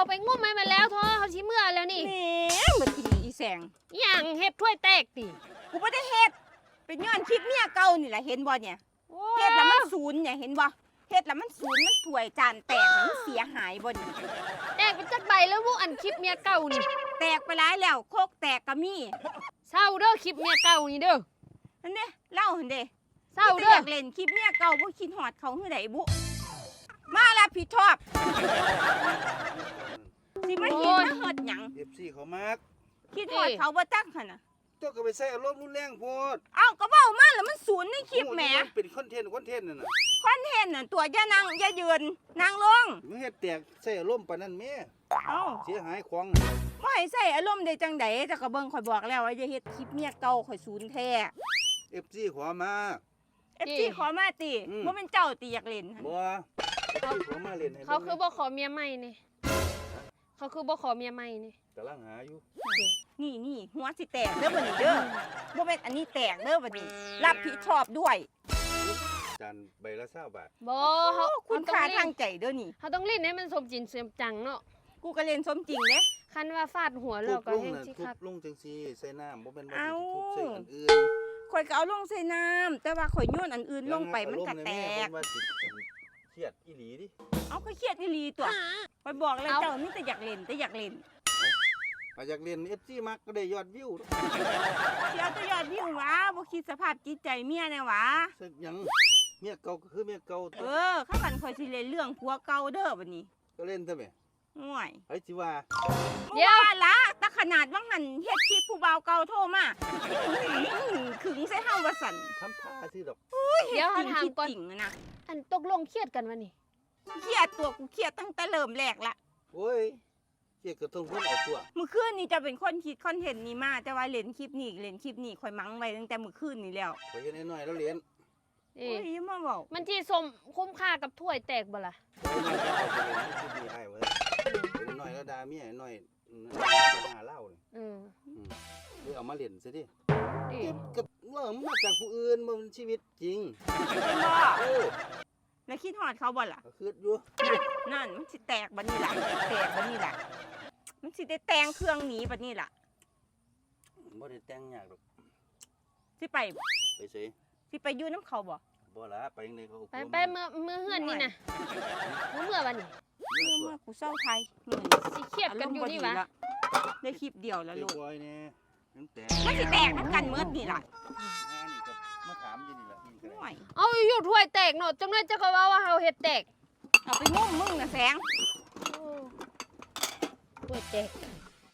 ไปงุ่มให้มันแล้วท้อเขาชี้เมื่อแล้วนี่แหมบ่กินอีแสงอย่างเฮ็ดถ้วยแตกติกูบ่ได้เฮ็ดเป็นย้อนคลิปเมียเก่านี่แหละเห็นบ่เนี่ยเฮ็ดแล้วมันศูนย์เนี่ยเห็นบ่เฮ็ดแล้วมันศูนย์มันถ้วยจานแตกมันเสียหายบ่นี่แตกเป็นจักใบแล้วพวกอันคลิปเมียเก่านี่แตกไปหลายแล้วโคกแตกก็มีเศร้าเด้อคลิปเมียเก่านี่เด้อนั่นเด้เล่าหั่นเด้เศร้าเด้ออยากเล่นคลิปเมียเก่าบ่คิดฮอดเขาคือใดบุมารับผิดชอบสิมาเฮ็ดมาเฮ็ดหยัง FC เขามากคิดฮอดเขาบ่จักหั่นน่ะเจ้าก็ไปใส่อารมณ์รุนแรงโพดเอ้าก็เว้ามาแล้วมันศูนย์ในคลิปแหมเป็นคอนเทนต์นั่นน่ะคอนเทนต์น่ะตัวอย่านั่งอย่ายืนนั่งลงมึงเฮ็ดแตกใส่อารมณ์ปานนั้นแม่เอ้าเสียหายของบ่ให้ใส่อารมณ์ได้จังได๋แต่ก็เบิ่งข่อยบอกแล้วว่าอย่าเฮ็ดคลิปเมียเก่าข่อยศูนย์แท้ FC ขอมา FC ขอมาติบ่แม่นเจ้าติอยากเล่นหั่นบ่ขอมาเล่นให้เขาคือบ่ขอเมียใหม่นี่เขาคือบ่ขอเมียใหม่นี่กำลังหาอยู่นี่หัวสิแตกเด้อบัดนี้เด้อบ่แม่นอันนี้แตกเด้อบัดนี้รับผิดชอบด้วยจานใบละ20 บาทบ่เฮาคุณค่าทางใจเด้อนี่เฮาต้องเล่นให้มันสมจริงสมจังเนาะกูก็เล่นสมจริงเด้คันว่าฟาดหัวแล้วก็แฮงสิครับทุบลงจังซี่ใส่น้ำบ่แม่นว่าทุบใส่อันอื่นข่อยก็เอาลงใส่น้ำแต่ว่าข่อยโยนอันอื่นลงไปมันก็แตกเครียดอีหลีดิเอาก็เครียดอีหลีตัวข่อยบอกแล้วเจ้ามีแต่อยากเล่นอยากเเล่น FC มักก็ได้ยอดวิวเสียตัวยอดวิววะบ่คิดสภาพจิตใจเมียแน่วะสักหยังเมียเก่าก็คือเมียเก่าข้ากันข่อยสิเล่นเรื่องผัวเก่าเด้อบัดนี้ก็เล่นซะแม่ห่วยไผสิว่าเดี๋ยวละแต่ขนาดว่าหันเฮ็ดคลิปผู้บ่าวเก่าโทรมาขึงใส่เฮาว่าสั่นทำท่าซื่อดอกเดี๋ยวถามก่อนนะอันตกลงเครียดกันวะนี่เครียดตัวกูเครียดตั้งแต่เริ่มแรกละโอ้ยเครียดก็ต้องคนเอาตัวเมื่อคืนนี้จะเป็นคนคิดคอนเทนต์นี้มาแต่ว่าเล่นคลิปนี้ข่อยมั้งไว้ตั้งแต่เมื่อคืนนี้แล้วข่อยเฮ็ดน้อยๆแล้วเรียนโอ้ยมาเว้ามันที่สมคุ้มค่ากับถ้วยแตกบ่ล่ะน้อยแล้วด่าเมียน้อยหาเหล้านี่เอามาเล่นซะดิก็ว่ามันมาจากผู้อื่นมันชีวิตจริงแล้วคิดฮอดเขาบ่ล่ะก็คิดอยู่นั่นมันสิแตกบัดนี้ล่ะมันสิได้แต่งเครื่องหนีบัดนี้ล่ะบ่ได้แต่งยากดอกสิไปสิสิไปอยู่น้ำเขาบ่ล่ะไปจังได๋เขาไปเมื่อเฮือนนี่น่ะเมื่อวันนี้เมื่อกูเศร้าไทยสิเครียดกันอยู่นี่วะได้คลิปเดียวแล้วลูกมันสิแตกน้ำกันเมื่อนี่ล่ะนี่ก็มาถามอยู่นี่ล่ะเอาอยู่ถ้วยแตกเนาะจังได๋จะก็ว่าเฮาเฮ็ดแตกเอาไปงุ่มมึงน่ะแสงถ้วยแตก